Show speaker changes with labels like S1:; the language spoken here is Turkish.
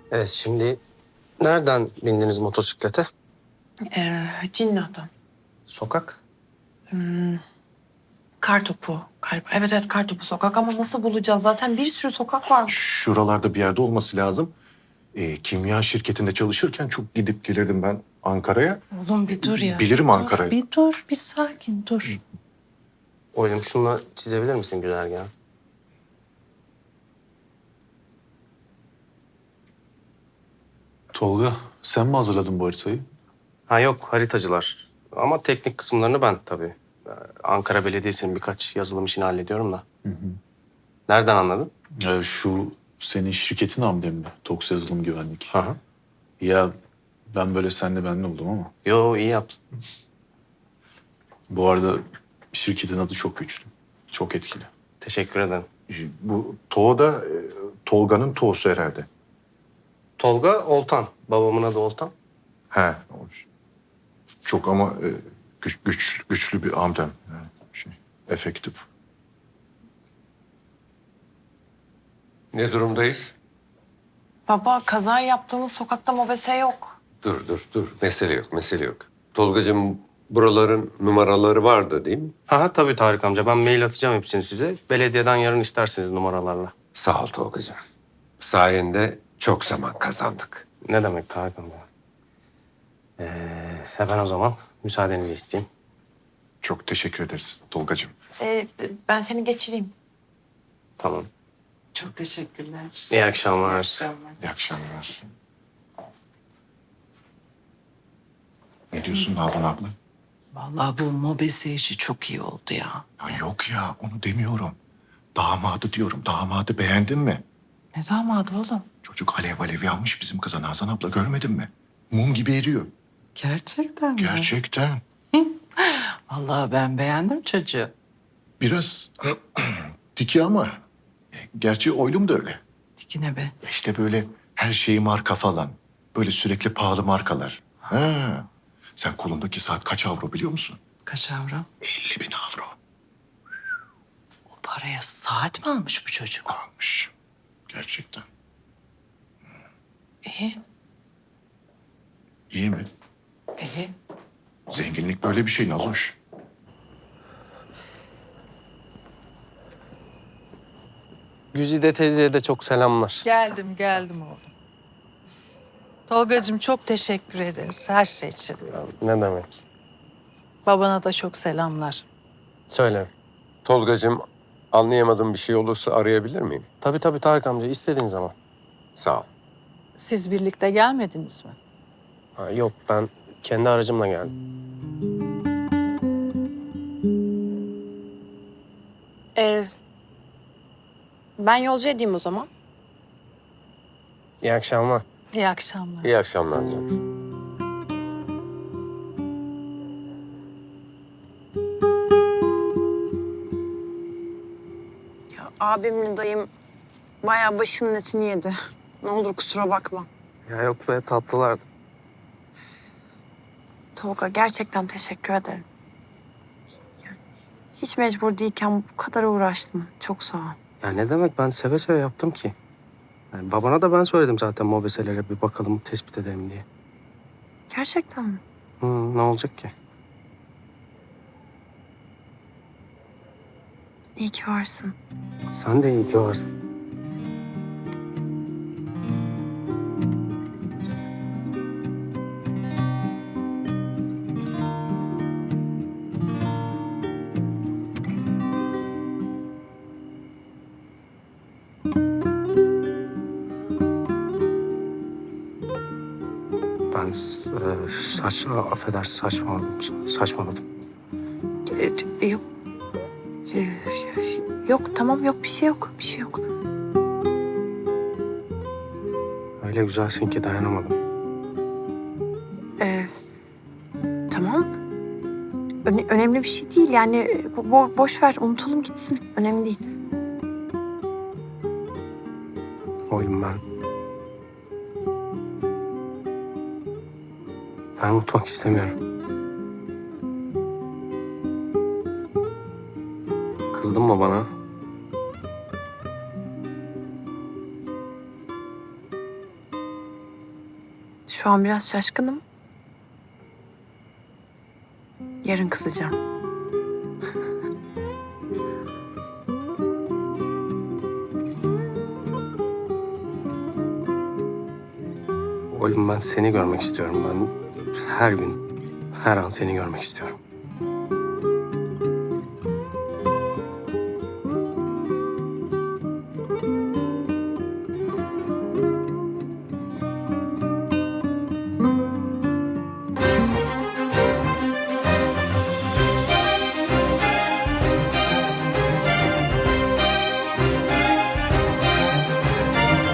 S1: Evet, şimdi nereden bindiniz motosiklete?
S2: Cinnah'tan.
S1: Sokak.
S2: Kartopu galiba. Evet evet, Kartopu sokak ama nasıl bulacağız? Zaten bir sürü sokak var.
S3: Şuralarda bir yerde olması lazım. Kimya şirketinde çalışırken çok gidip gelirdim ben Ankara'ya.
S4: Oğlum bir dur ya.
S3: Bilirim
S4: Dur,
S3: Ankara'yı.
S4: bir dur, bir sakin dur.
S1: Oğlum şunla çizebilir misin güzergahı?
S5: Tolga, sen mi hazırladın bu haritayı?
S1: Ha yok, haritacılar. Ama teknik kısımlarını ben tabii. Ankara Belediyesi'nin birkaç yazılım işini hallediyorum da. Nereden anladın?
S5: Şu senin şirketin hamle mi? Toks Yazılım Güvenlik.
S1: Hı.
S5: Ya ben böyle senle benle oldum ama.
S1: Yo, iyi yaptın.
S5: Bu arada şirketin adı çok güçlü. Çok etkili.
S1: Teşekkür ederim.
S3: Bu Toğ da Tolga'nın Toğ'su herhalde.
S1: Tolga Oltan. Babamın adı Oltan.
S3: He. Çok ama güçlü bir amcam. Yani efektif.
S6: Ne durumdayız?
S2: Baba, kaza yaptığımız sokakta mobese yok.
S6: Dur. Mesele yok, mesele yok. Tolgacığım, buraların numaraları vardı değil mi?
S1: Ha tabii Tarık amca. Ben mail atacağım hepsini size. Belediyeden yarın isterseniz numaralarla.
S6: Sağ ol Tolgacığım. Sayende çok zaman kazandık.
S1: Ne demek Tarık amca? Hemen o zaman müsaadenizi isteyeyim.
S3: Çok teşekkür ederiz Tolgacığım.
S2: Ben seni geçireyim.
S1: Tamam.
S4: Çok teşekkürler.
S1: İyi akşamlar.
S3: İyi akşamlar. Ne diyorsun Nazan abla?
S4: Vallahi bu mobese işi çok iyi oldu ya.
S3: Ya yok ya, onu demiyorum. Damadı diyorum. Damadı beğendin mi?
S4: Ne damadı oğlum?
S3: Çocuk alev alev yanmış bizim kıza Nazan abla, görmedin mi? Mum gibi eriyor.
S4: Gerçekten mi?
S3: Gerçekten.
S4: Vallahi ben beğendim çocuğu.
S3: Biraz tiki ama gerçi oylum da öyle.
S4: Dikine be.
S3: İşte böyle her şeyi marka falan. Böyle sürekli pahalı markalar. Ha. Sen kolundaki saat kaç avro biliyor musun?
S4: Kaç avro?
S3: 50.000 avro
S4: O paraya saat mi almış bu çocuk?
S3: almış. Gerçekten.
S4: İyi.
S3: İyi mi?
S4: İyi.
S3: Zenginlik böyle bir şey Nazoş.
S1: Güzide teyzeye de çok selamlar.
S7: Geldim oğlum. Tolgacığım çok teşekkür ederiz her şey için.
S1: Ne demek?
S7: Babana da çok selamlar.
S1: Söyle.
S6: Tolgacığım, anlayamadığım bir şey olursa arayabilir miyim?
S1: Tabii Tarık amca, istediğin zaman.
S6: Sağ ol.
S7: Siz birlikte gelmediniz mi?
S1: Ha, yok, ben kendi aracımla geldim.
S2: Ben yolcu edeyim o zaman.
S1: İyi akşamlar.
S7: İyi akşamlar.
S6: İyi akşamlar canım.
S2: Abimle dayım bayağı başının etini yedi. Ne olur kusura bakma.
S1: Ya yok be, tatlılardı.
S2: Tolga, gerçekten teşekkür ederim. Yani hiç mecbur değilken bu kadar uğraştın. Çok sağ ol.
S1: Ya ne demek, ben seve seve yaptım ki. Yani babana da ben söyledim zaten mobeselere bir bakalım, tespit edelim diye.
S2: Gerçekten mi?
S1: Ne olacak ki?
S2: İyi ki varsın.
S1: Sen de iyi ki varsın. Ben affedersin, saçmaladım.
S2: Yok. Yok, tamam, yok, bir şey yok. Bir şey yok.
S1: Öyle güzelsin ki dayanamadım.
S2: Tamam. Önemli bir şey değil yani. Boş ver, unutalım gitsin. Önemli değil.
S1: Oğlum ben unutmak istemiyorum. Kızdın mı bana?
S2: Şu an biraz şaşkınım. Yarın kızacağım.
S1: Oğlum ben seni görmek istiyorum. Ben her gün, her an seni görmek istiyorum.